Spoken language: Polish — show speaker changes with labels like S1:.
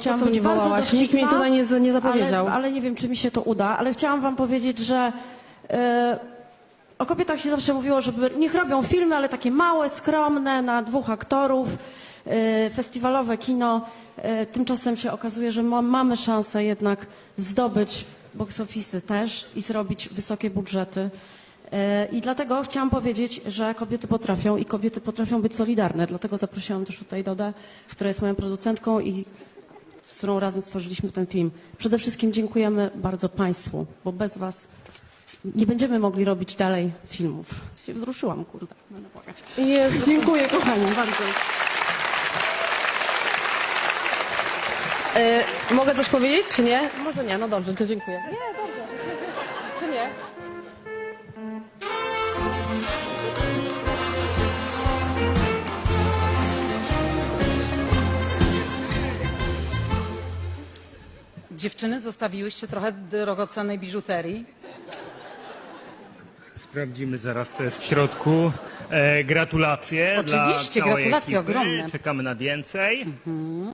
S1: chciałam
S2: Co
S1: być
S2: mnie
S1: bardzo
S2: wołałaś?
S1: dowcipna,
S2: Nikt mnie tutaj nie zapowiedział.
S1: ale nie wiem, czy mi się to uda, ale chciałam wam powiedzieć, że o kobietach się zawsze mówiło, żeby niech robią filmy, ale takie małe, skromne, na 2 aktorów, festiwalowe kino. Tymczasem się okazuje, że mamy szansę jednak zdobyć box office'y też i zrobić wysokie budżety. I dlatego chciałam powiedzieć, że kobiety potrafią i kobiety potrafią być solidarne. Dlatego zaprosiłam też tutaj Dodę, która jest moją producentką i z którą razem stworzyliśmy ten film. Przede wszystkim dziękujemy bardzo Państwu, bo bez Was nie będziemy mogli robić dalej filmów. Się wzruszyłam, kurde. Będę płakać.
S2: Jezu.
S1: Dziękuję, kochani, bardzo.
S2: Mogę coś powiedzieć, czy nie? Może nie, no dobrze, to dziękuję. Nie, dobrze. Czy nie?
S3: Dziewczyny, zostawiłyście trochę drogocennej biżuterii.
S4: Sprawdzimy zaraz, co jest w środku. Gratulacje
S3: Oczywiście,
S4: dla całej
S3: gratulacje
S4: ekipy.
S3: ogromne.
S4: Czekamy na więcej.